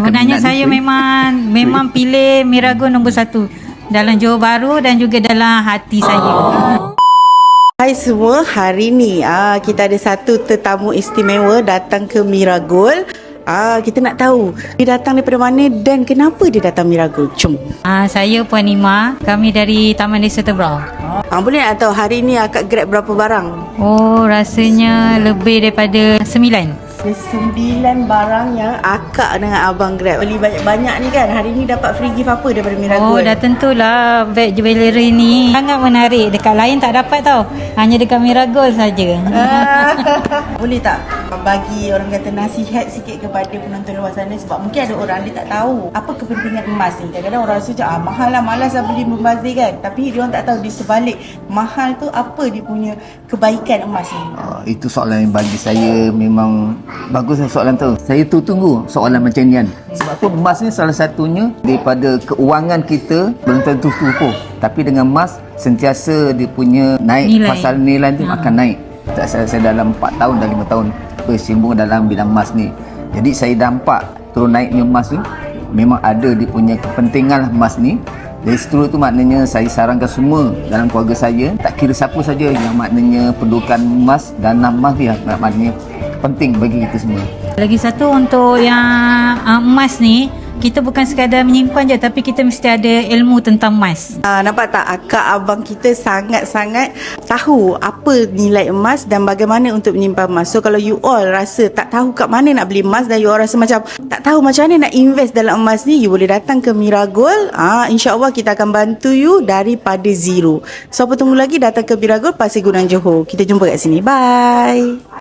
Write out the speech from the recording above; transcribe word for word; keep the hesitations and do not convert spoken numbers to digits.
Sebenarnya saya ni? memang memang pilih Miragold nombor satu dalam Johor Bahru dan juga dalam hati saya. Hai semua, hari ni ah, kita ada satu tetamu istimewa datang ke Miragold. Ah, kita nak tahu dia datang daripada mana dan kenapa dia datang Miragold. Jom. Ah, saya Puan Nima, kami dari Taman Desa Tebrau. Ah, boleh nak tahu hari ni akak grab berapa barang? Oh, rasanya lebih daripada sembilan. Sembilan barang yang akak dengan abang grab. Beli banyak-banyak ni kan. Hari ni dapat free gift apa daripada Oh, Miragold? dah tentulah beg jewellery ni sangat menarik. Dekat lain tak dapat tau. Hanya dekat Miragold saja. Ah, boleh tak bagi orang kata nasihat sikit kepada penonton luar sana, sebab mungkin ada orang dia tak tahu apa kepentingan emas ni. Kadang-kadang orang rasa macam ah, mahal lah, malas lah beli membazir kan. Tapi dia orang tak tahu di sebalik mahal tu apa dia punya kebaikan emas ni. Uh, itu soalan yang bagi saya memang bagus soalan tu. Saya tu tunggu soalan macam ni kan. Sebab tu emas ni salah satunya daripada keuangan kita belum tentu cukup. Tapi dengan emas sentiasa dia punya naik, Nilai. pasal nilai tu Ha. akan naik. Tak saya, saya dalam empat tahun dan lima tahun bersimbung dalam bidang emas ni. Jadi saya nampak turun naiknya emas ni memang ada dia punya kepentingan emas ni. Dari situ tu maknanya saya sarankan semua dalam keluarga saya, tak kira siapa saja yang maknanya perlukan emas dan emas dia maknanya penting bagi kita semua. Lagi satu untuk yang uh, emas ni, kita bukan sekadar menyimpan je, tapi kita mesti ada ilmu tentang emas. Ah, nampak tak akak abang kita sangat-sangat tahu apa nilai emas dan bagaimana untuk menyimpan emas. So kalau you all rasa tak tahu kat mana nak beli emas dan you all rasa macam tak tahu macam mana nak invest dalam emas ni, you boleh datang ke Miragold. Ah, InsyaAllah kita akan bantu you daripada zero. So apa tunggu lagi, datang ke Miragold, Pasir Gudang, Johor. Kita jumpa kat sini. Bye.